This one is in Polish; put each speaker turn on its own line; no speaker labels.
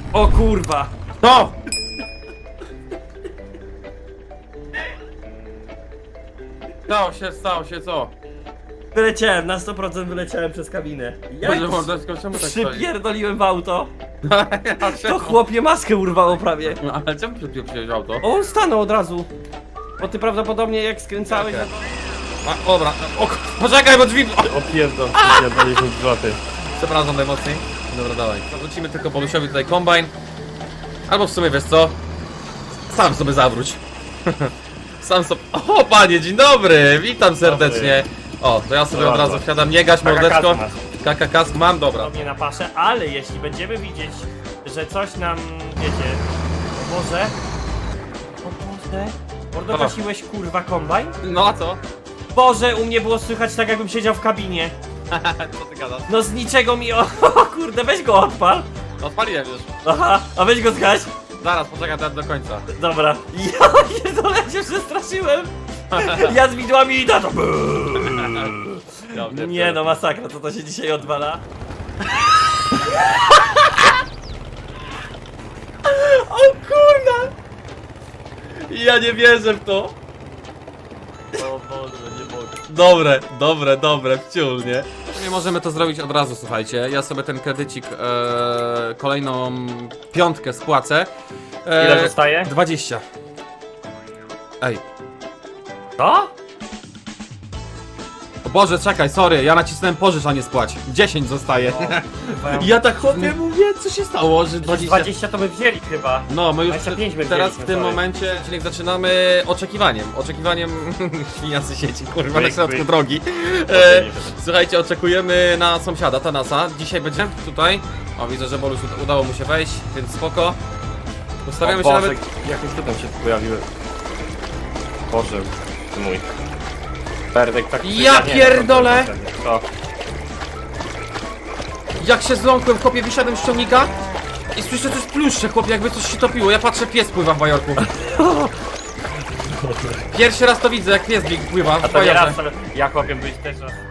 O kurwa!
To! Stało się, co?
Wyleciałem, na 100% wyleciałem przez kabinę. Jak
Boże, mordeczko, czemu tak stoi?
przypierdoliłem w auto,
A
to
czemu?
chłopie maskę urwało prawie.
No, ale czemu przyjąłeś auto?
O, on stanął od razu. Bo ty prawdopodobnie jak skręcałeś,
Okej.
no
A, dobra, poczekaj, bo drzwi... O,
Opierdol, pierdol 10 zł.
przepraszam najmocniej. Dobra, dawaj. Zawrócimy tylko Bolusiowi tutaj kombajn. Albo w sumie, wiesz co? Sam sobie zawróć. Sam sobie... O, panie, dzień dobry! Witam serdecznie. O, to ja sobie
No
od razu
bardzo.
wsiadam. Nie gaś, mordeczko.
masz.
Kaka kask mam, dobra.
podobnie na paszę, ale jeśli będziemy widzieć, że coś nam, wiecie, o Boże, Mordo,
Dobra.
gasiłeś kurwa kombajn?
No a co?
Boże, u mnie było słychać tak jakbym siedział w kabinie.
Co ty gadasz?
No z niczego mi, o kurde, weź go odpal.
Odpaliłem już.
Aha, a weź go zgaś.
Zaraz, poczekaj do końca.
Dobra. Ja pierdolę, się przestraszyłem. Ja z widłami i to. Nie no, masakra, co to się dzisiaj odwala? O kurna! Ja nie wierzę w to.
O Boże, nie mogę.
Dobre, wciul, nie? Nie możemy to zrobić od razu, słuchajcie. Ja sobie ten kredycik, kolejną piątkę spłacę.
Ile zostaje?
20. Ej.
Co?
O Boże, czekaj, sorry, ja nacisnąłem pożycz, a nie spłać. 10 zostaje. Ja tak chłopie mówię, co się stało, że 20...
20 to by wzięli chyba.
No, my już
25 my
teraz w
wzięliśmy,
tym
sorry.
momencie, czyli zaczynamy oczekiwaniem świniacy sieci, kurwa, na środku drogi. Słuchajcie, oczekujemy na sąsiada, Tanasa. Dzisiaj będzie tutaj. O, widzę, że Boluś udało mu się wejść, więc spoko. Ustawiamy się nawet...
Jakieś tu tam się pojawiły. Boże, ty mój. Ferdek tak...
Ja pierdolę!
Co?
Jak się zląkłem, chłopie, wysiadłem z ciągnika i słyszę coś pluszcze, chłopie, jakby coś się topiło. Ja patrzę, pies pływa w bajorku. Pierwszy raz to widzę, jak pies pływa
A
w
to nie
bajorze.
raz sobie. Ja chłopiem być też raz.